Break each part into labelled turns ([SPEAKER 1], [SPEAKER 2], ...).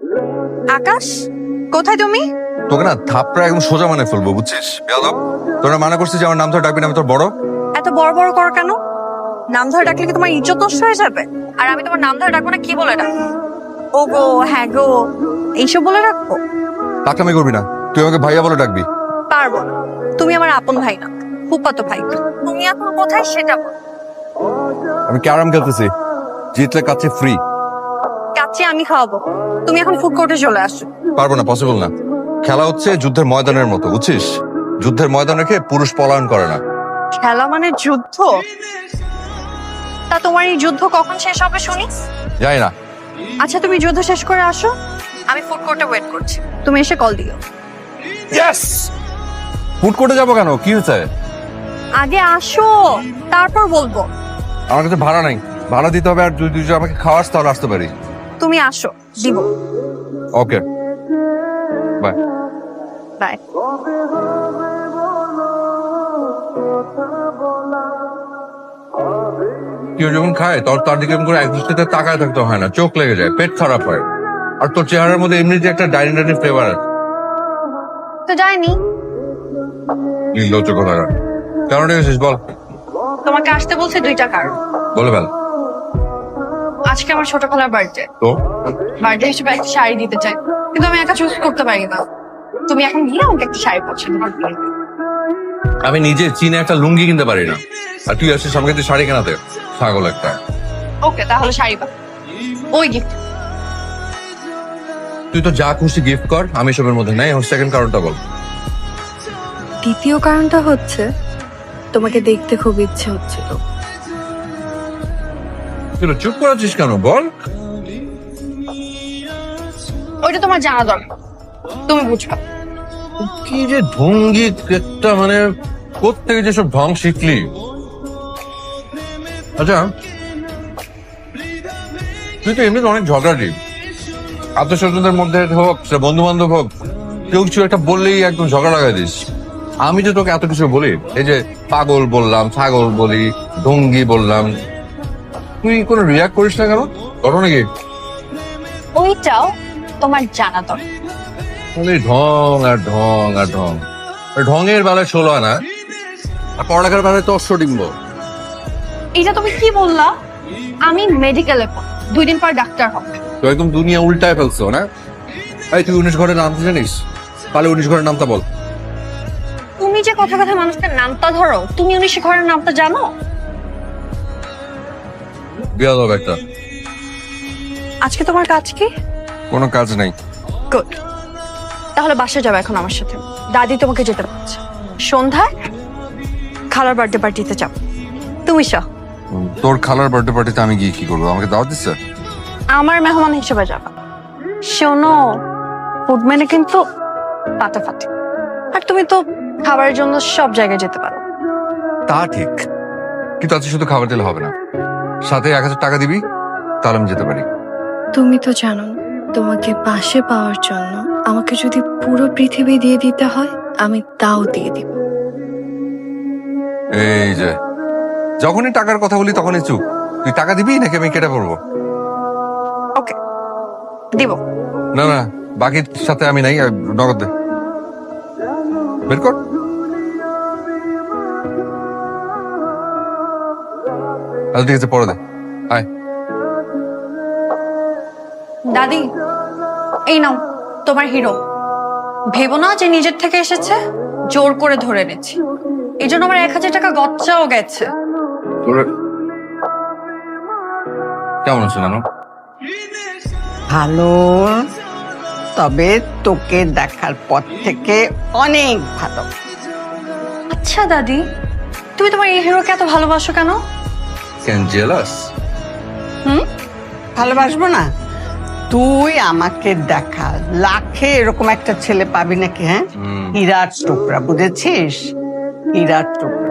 [SPEAKER 1] আকাশ, কোথায় তুমি?
[SPEAKER 2] তোকে না থাপড়া একদম সোজা মানে ফেলবো, বুঝছিস? বেয়াদব, তোরা মানা করছিস যে আমার নাম ধরে ডাকবি না, আমি তোর বড়।
[SPEAKER 1] এত বড় বড় করো কেন? নাম ধরে ডাকলে কি তোমার ইজ্জত নষ্ট হয়ে যাবে? আর আমি তোমার নাম ধরে ডাকবো না কি বলে ডাকবো? ও গো, হ্যাঁ গো, এইসব বলে রাখবো?
[SPEAKER 2] টাকলামি করবি না, তুই আমাকে ভাইয়া বলে ডাকবি।
[SPEAKER 1] পারবো না। তুমি আমার আপন ভাই না, ফুফাতো ভাই। তুমি এখন কোথায় সেটা বল।
[SPEAKER 2] আমি ক্যারাম খেলতেছি, জিতলে কাছে ফ্রি।
[SPEAKER 1] কাচ্চি আমি খাওয়াবো, তুমি এখন ফুড কোর্টে চলে আসো।
[SPEAKER 2] পারবো না, পসিবল না। খেলা হচ্ছে যুদ্ধের ময়দানের মতো, বুঝছিস? যুদ্ধের ময়দান রেখে পুরুষ পলায়ন করে না।
[SPEAKER 1] খেলা মানে যুদ্ধ? তা তোমার এই যুদ্ধ কখন শেষ হবে শুনি?
[SPEAKER 2] যাই না।
[SPEAKER 1] আচ্ছা, তুমি যুদ্ধ শেষ করে আসো, আমি ফুড কোর্টে ওয়েট করছি, তুমি এসে কল দিও।
[SPEAKER 2] ইয়েস। ফুড কোর্টে যাবো কেন, কি হয়েছে?
[SPEAKER 1] আগে আসো, তারপর বলবো।
[SPEAKER 2] আমার কাছে ভাড়া নাই, ভাড়া দিতে হবে। আর তুই যদি আমাকে খাওয়াস তাহলে আসতে পারি।
[SPEAKER 1] তুমি আসো, দিব।
[SPEAKER 2] Okay, bye.
[SPEAKER 1] বাই।
[SPEAKER 2] কেউ যখন খায় তোর তার দিকে এরকম করে এক দৃষ্টিতে তাকায় থাকতে হয় না, চোখ লেগে যায়, পেট খারাপ হয়। আর তোর চেহারার মধ্যে এমনি যে একটা ডাইনি ডাইনি ফ্লেভার আছে।
[SPEAKER 1] তো যাইনি।
[SPEAKER 2] নির্লজ্জ কোথাকার। কেন ডেকেছিস বল?
[SPEAKER 1] তোমাকে আসতে বলছে দুইটা কারণ।
[SPEAKER 2] বলে ফেল।
[SPEAKER 1] আজকে আমার ছোট খালার বার্থডে।
[SPEAKER 2] তো
[SPEAKER 1] বার্থডে হিসেবে একটা শাড়ি দিতে চাই, কিন্তু আমি একা চুজ করতে পারি না। তুমি এখন গিয়ে আমাকে একটা শাড়ি পছন্দ করে দিও।
[SPEAKER 2] আমি নিজে চীনে একটা লুঙ্গি কিনতে পারি না, আর তুই আসছিস আমাকে তুই শাড়ি কেনাতে? ছাগল একটা।
[SPEAKER 1] ওকে, তাহলে শাড়ি পা। ওই গিফট।
[SPEAKER 2] তুই তো যা খুশি গিফট কর, আমি সবের মধ্যে নাই। সেকেন্ড কারণটা বল।
[SPEAKER 3] দ্বিতীয় কারণটা হচ্ছে তোমাকে দেখতে খুব ইচ্ছে হচ্ছিল।
[SPEAKER 2] তুই চুপ করাচ্ছিস কেন বল?
[SPEAKER 1] ওইটা তোমার জানা দরকার, তুমি বুঝবা।
[SPEAKER 2] কি যে ঢঙ্গি একটা, মানে কোত্থেকে যেসব ঢং শিখলি? আচ্ছা, তুই তো এমনিতে অনেক ঝগড়াটি। আত্মীয় স্বজনদের মধ্যে হোক, সে বন্ধু বান্ধব হোক, কেউ কিছু একটা বললেই একদম ঝগড়া লাগাই দিস। আমি যে তোকে এত কিছু বলি, এই যে পাগল বললাম, ছাগল বলি, ঢঙ্গি বললাম, তুই কোনো রিয়াক্ট করিস না কেন? ঘটনা কি?
[SPEAKER 1] ওইটাও তোমার জানা দরকার।
[SPEAKER 2] খালি ঢং আর ঢং আর ঢং। আর ঢঙের বেলায় 16 আনা, আর পড়ালেখার বেলায় তো 800 ডিম্ব।
[SPEAKER 1] এটা তুমি কি বললা? আমি মেডিকেলে পড়ি, 2 দিন পর ডাক্তার হব।
[SPEAKER 2] তো একদম দুনিয়া উল্টায় ফেলছো না? এই তুই 19 ঘরের নাম জানিস? তাহলে 19 ঘরের নামটা বল।
[SPEAKER 1] তুমি যে কথা কথা মানুষের নামটা ধরো, তুমি 19 ঘরের নামটা জানো?
[SPEAKER 2] বিয়াদব একটা।
[SPEAKER 1] আজকে তোমার কাজ কি?
[SPEAKER 2] কোনো কাজ নাই।
[SPEAKER 1] গুড। তাহলে বাসা যাবে এখন আমার সাথে, দাদি তোমাকে যেতে বলছে। সন্ধ্যায় খালার বার্থডে পার্টিতে যাব, তুমি সহ।
[SPEAKER 2] তোর খালার বার্থডে পার্টিতে আমি গিয়ে কি করবো? আমাকে দাওয়াত দিচ্ছে?
[SPEAKER 1] আমার মেহমান হিসেবে যাবা। শোনো, ফুড মেনে কিন্তু ফাটাফাটি। আর তুমি তো খাবারের জন্য সব জায়গায় যেতে পারো।
[SPEAKER 2] তা ঠিক, কিন্তু আজকে শুধু খাবার দিলে হবে না, সাথে 1000 টাকা দিবি, তাহলে আমি যেতে পারি।
[SPEAKER 3] তুমি তো জানো না, তোমাকে পাশে পাওয়ার জন্য আমাকে যদি পুরো পৃথিবী দিয়ে দিতে হয়, আমি তাও দিয়ে দিব।
[SPEAKER 2] এই যে যখনই টাকার কথা বলি তখনই চুপ। তুই টাকা দিবি নাকি আমি কেটে পড়বো?
[SPEAKER 1] ওকে, দিব।
[SPEAKER 2] না না, বাকির সাথে আমি নাই। নগদ দে, বের কর। আচ্ছা ঠিক আছে, পরে দে। আয়।
[SPEAKER 1] দাদি, এই নাও তোমার হিরো। ভেবো না যে নিজের থেকে এসেছে, জোর করে ধরে এনেছি। এই জন্য আমার 1000 টাকা গচ্চাও গেছে।
[SPEAKER 2] কেমন আছো নানু?
[SPEAKER 4] ভালো, তবে তোকে দেখার পর থেকে অনেক ভালো।
[SPEAKER 1] আচ্ছা দাদি, তুমি তোমার এই হিরোকে এত ভালোবাসো কেন?
[SPEAKER 2] Can jealous?
[SPEAKER 4] ভালোবাসবো না? তুই আমাকে দেখা, লাখে এরকম একটা ছেলে পাবি নাকি? হ্যাঁ, হীরার টুকরা, বুঝেছিস? হীরার টুকরা।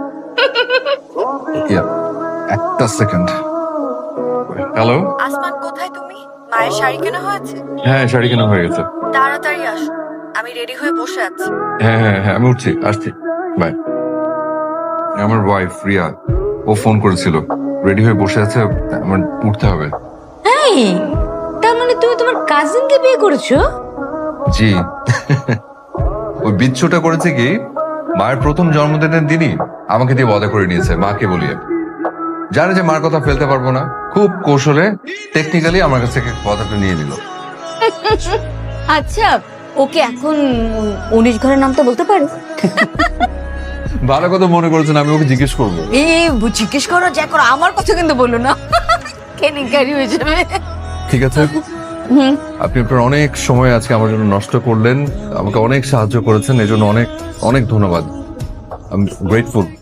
[SPEAKER 2] একটা সেকেন্ড। হ্যালো।
[SPEAKER 1] আসমান, কোথায় তুমি? মায়ের শাড়ি কেনা হয়েছে?
[SPEAKER 2] হ্যাঁ, শাড়ি কেনা হয়ে গেছে।
[SPEAKER 1] তাড়াতাড়ি আসো, আমি রেডি হয়ে বসে আছি।
[SPEAKER 2] হ্যাঁ হ্যাঁ হ্যাঁ, আমি উঠছি, আসছি, বাই। আমার ওয়াইফ রিয়া, ও ফোন করেছিল, রেডি হয়ে বসে আছে, আমার উঠতে হবে।
[SPEAKER 3] এই, তার মানে
[SPEAKER 5] মানে তুমি তোমার কাজিনকে বিয়ে করেছো?
[SPEAKER 2] জি। ওই বিচ্ছুটা করেছে কি, মায়ের প্রথম জন্মদিনের দিনই আমাকে দিয়ে ওয়াদা করে নিয়েছে, মাকে বলিয়ে। জানে যে মার কথা ফেলতে পারবো না, খুব কৌশলে টেকনিক্যালি আমার কাছ থেকে কথাটা নিয়ে নিল।
[SPEAKER 5] আচ্ছা, ওকে এখন 19 ঘরের নামটা বলতে পারো?
[SPEAKER 2] ভালো কথা মনে করেছেন, আমি ওকে জিজ্ঞেস করবো।
[SPEAKER 5] জিজ্ঞেস করো, যা করো, আমার কথা কিন্তু বলো না, কেনিকারি হয়ে যাবে।
[SPEAKER 2] ঠিক আছে, আপনি আপনার অনেক সময় আজকে আমার জন্য নষ্ট করলেন, আমাকে অনেক সাহায্য করেছেন, এজন্য অনেক অনেক ধন্যবাদ। I am grateful.